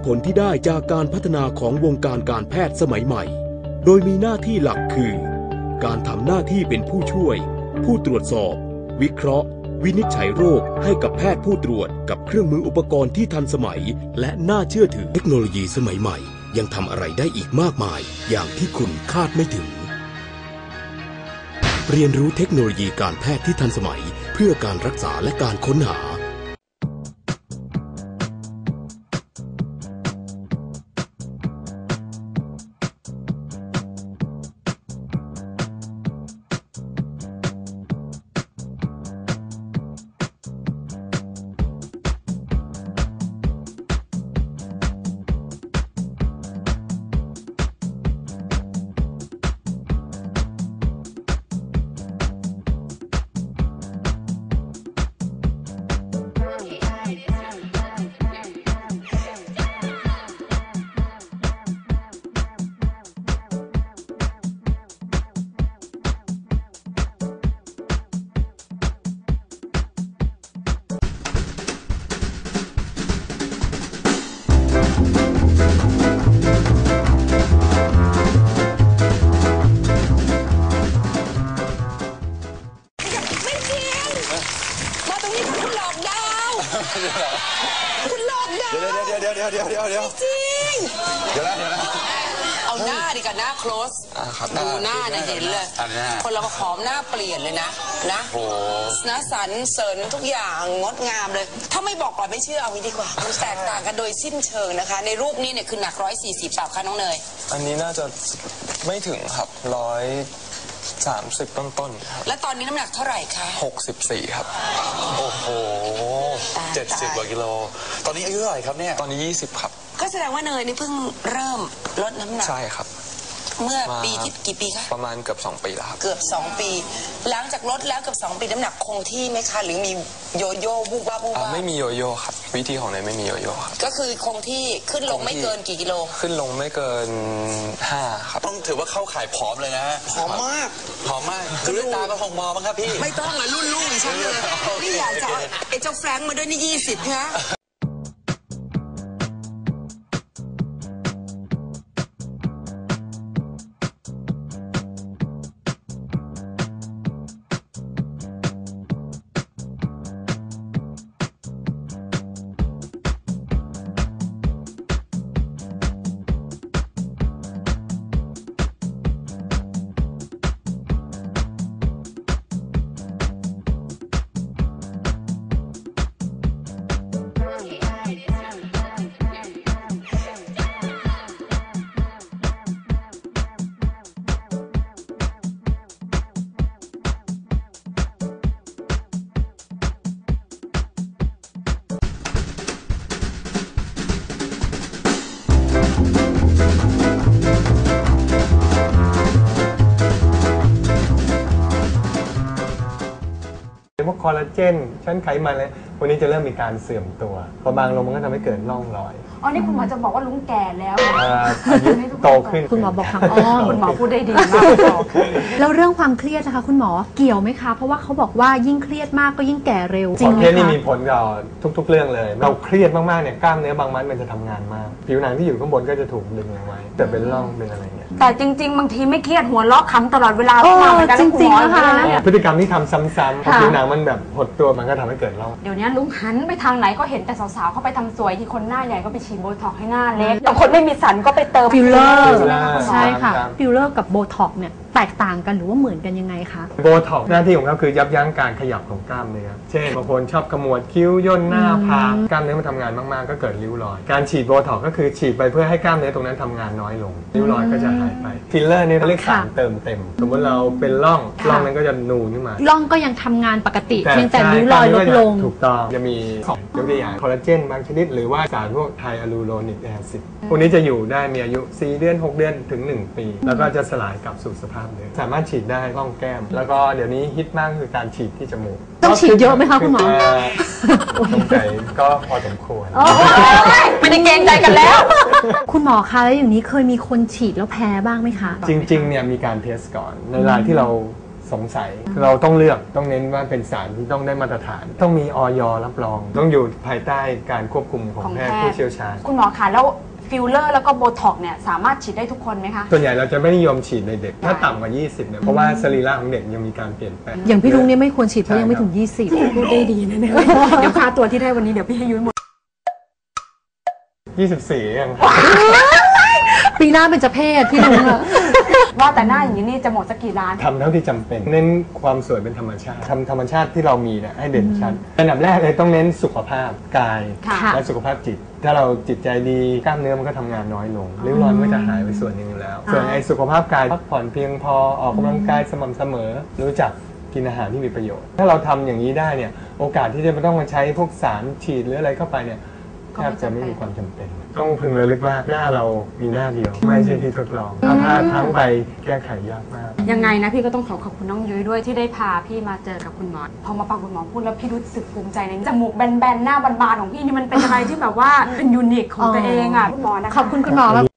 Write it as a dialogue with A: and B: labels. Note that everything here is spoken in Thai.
A: ผลที่ได้จากการพัฒนาของวงการการแพทย์สมัยใหม่โดยมีหน้าที่หลักคือการทำหน้าที่เป็นผู้ช่วยผู้ตรวจสอบวิเคราะห์วินิจฉัยโรคให้กับแพทย์ผู้ตรวจกับเครื่องมืออุปกรณ์ที่ทันสมัยและน่าเชื่อถือเทคโนโลยีสมัยใหม่ยังทำอะไรได้อีกมากมายอย่างที่คุณคาดไม่ถึงเรียนรู้เทคโนโลยีการแพทย์ที่ทันสมัยเพื่อการรักษาและการค้นหา
B: คุณหลอกดาว
C: เดี๋ยว
B: จริง
C: เดี๋ยวนะ
B: เอาหน้าดิกันหน้า close ดูหน้าเนี่ยเห็นเลยคนเราก็หอมหน้าเปลี่ยนเลยนะนะสันเสริญทุกอย่างงดงามเลยถ้าไม่บอกก่อนไม่เชื่อเอางี้ดีกว่ามันแตกต่างกันโดยสิ้นเชิงนะคะในรูปนี้เนี่ยคือหนัก140เปล่าคะน้องเนย
D: อันนี้น่าจะไม่ถึงครับ130ต้นๆ
B: แล้วตอนนี้น้ำหนักเท่าไหร่คะ
D: 64ครับ
C: โอ้โห70 กว่ากิโลตอนนี้อายุเท่าไหร่ครับเนี่ย
D: ตอนนี้20ครับ
B: ก็แสดงว่าเนยนี่เพิ่งเริ่มลดน้ำหนัก
D: ใช่ครับ
B: เมื่อปีที่กี่ปีคะ
D: ประมาณเกือบ2 ปีแล้วครับ
B: เกือบ2 ปีหลังจากลดแล้วเกือบ2 ปีน้ำหนักคงที่ไหมคะหรือมีโยโย่บุบบ้า
D: ไม่มีโยโย่ครับวิธีของเนยไม่มีโยโย่ครับ
B: ก็คือคงที่ขึ้นลงไม่เกินกี่กิโล
D: ขึ้นลงไม่เกิน5ครับ
C: ต้องถือว่าเข้าข่ายผอมเลยนะ
B: ผอมมาก
C: ดูด้วยตาก็คงมองมั้งครับพี่
B: ไม่ต้องอะรุ่นลูกดิฉันเลยนี่อยากจะไอ้เจ้าแฟรงค์มาด้วยนี่20นะ
E: พวกคอลลาเจนชั้นไขมันเลยวันนี้จะเริ่มมีการเสื่อมตัวพอบางลงมันก็ทำให้เกิดร่องรอย
F: อ๋อนี่คุณหมอจะบอกว่าลุงแก่แล้ว
E: อายุโตขึ้น
F: คุณหมอบอกทางอ้อมคุณหมอพูดได้ดีมากแล้วเรื่องความเครียดนะคะคุณหมอเกี่ยวไหมคะเพราะว่าเขาบอกว่ายิ่งเครียดมากก็ยิ่งแก่เร็ว
E: จริงไหมคะเครียดนี่มีผลต่อทุกๆเรื่องเลยเราเครียดมากๆเนี่ยกล้ามเนื้อบางมัดมันจะทำงานมากผิวหนังที่อยู่ข้างบนก็จะถูกดึงลงไว้แต่เป็นร่องเป็นอะไรเงี้ย
F: แต่จริงๆบางทีไม่เครียดหัวเราะขำตลอดเวลาจริงๆนะคะ
E: พฤติกรรมที่ทำซ้ำๆพอผิวหนังมันแบบหดตัวมันก็ทำให้เกิดร่อง
F: เดี๋ยวนี้ลุงหันไปทางไหนก็เห็นแต่สาวๆเขาไปทำสวยที่คนหน้าใหญ่ก็ไปฉีดโบท็อกให้หน้าเล็กบางคนไม่มีสันก็ไปเติม
E: ฟิลเลอร์
F: ใช่ค่ะฟิลเลอร์กับโบท็อกเนี่ยแตกต่างกันหรือว่าเหมือนกันยังไงคะ
E: โบท็อกหน้าที่ของเขาคือยับยั้งการขยับของกล้ามเนื้อเช่นบางคนชอบขมวดคิ้วย่นหน้าผากกล้ามเนื้อมันทำงานมากๆก็เกิดริ้วรอยการฉีดโบท็อกก็คือฉีดไปเพื่อให้กล้ามเนื้อตรงนั้นทำงานน้อยลงริ้วรอยก็จะหายไปฟิลเลอร์นี่เรียกสารเติมเต็มสมมติเราเป็นร่องนั้นก็จะนูนขึ้นมา
F: ร่องก็ยังทำงานปกติเพียงแต่ริ้วรอยลดลง
E: ถูกต้องจะมียกตัวอย่างคอลลาเจนบางชนิดหรือว่าสารพวกไทอะลูโรนิกแอซิดพวกนี้จะอยู่ได้มีอายุ4 เดือน6 เดือนถึง1 ปีแล้วก็จะสลายกลับสู่สภาพเดิมสามารถฉีดได้ร่องแก้มแล้วก็เดี๋ยวนี้ฮิตมากคือการฉีดที่จมูก
F: ต้องฉีดเยอะไหมคะคุณหมอ
E: สงสัยก็พอสมควร
F: ไม่ได้เกรงใจกันแล้วคุณหมอคะแล้วอย่างนี้เคยมีคนฉีดแล้วแพ้บ้างไหมคะ
E: จริงๆเนี่ยมีการเทสก่อนในรายที่เราสงสัยเราต้องเลือกต้องเน้นว่าเป็นสารที่ต้องได้มาตรฐาน ต้องมีอย.รับรอง ต้องอยู่ภายใต้การควบคุมของแพทย์ผู้เชี่ยวชาญ
G: คุณหมอคะแล้วฟิลเลอร์แล้วก็โบท็อกเนี่ยสามารถฉีดได้ทุกคนไหมคะ
E: ส่วนใหญ่เราจะไม่นิยมฉีดในเด็กถ้าต่ำกว่า 20เนี่ยเพราะว่าสรีระของเด็กยังมีการเปลี่ยนแปลง
F: อย่างพี่ลุงเนี่ยไม่ควรฉีดเพราะยังไม่ถึง 20
G: พูดได้ดีนะเนี่ยเดี๋ยวค่าตัวที่ได้วันนี้เดี๋ยวพี่ให้ยุ้ยหมด
E: 24เอง
F: ปีหน้าเป็นจะเพศพี่ลุงอะ
G: ว่าแต่หน้าอย่างนี้นี่จะหมดสักกี่ล้าน
E: ทำเท่าที่จำเป็น เน้นความสวยเป็นธรรมชาติทำธรรมชาติที่เรามีเนี่ยให้เด่นชัดอันดับแรกเลยต้องเน้นสุขภาพกาย
G: ค่ะ
E: และสุขภาพจิต ถ้าเราจิตใจดีกล้ามเนื้อมันก็ทำงานน้อยลงริ้วรอยมันก็จะหายไปส่วนหนึ่งอยู่แล้ว ส่วนไอ้สุขภาพกายพักผ่อนเพียงพอออกกำลังกายสม่ำเสมอรู้จักกินอาหารที่มีประโยชน์ ถ้าเราทำอย่างนี้ได้เนี่ยโอกาสที่จะไม่ต้องมาใช้พวกสารฉีดหรืออะไรเข้าไปเนี่ยแทบจะไม่มีความจำเป็น ต้องพึงระลึกว่าหน้าเรามีหน้าเดียว ไม่ใช่ที่ทดลองถ้าทั้งไปแก้ไขยากมาก
G: ยังไงนะพี่ก็ต้องขอบคุณน้องยุ้ยด้วยที่ได้พาพี่มาเจอกับคุณหมอพอมาฟังคุณหมอพูดแล้วพี่รู้สึกภูมิใจในจมูกแบนๆหน้าบานๆของพี่นี่มันเป็นอะไรที่แบบว่าเป็นยูนิคของตัวเองอ่ะคุณหมอนะคะ
F: ขอบคุณคุณหมอ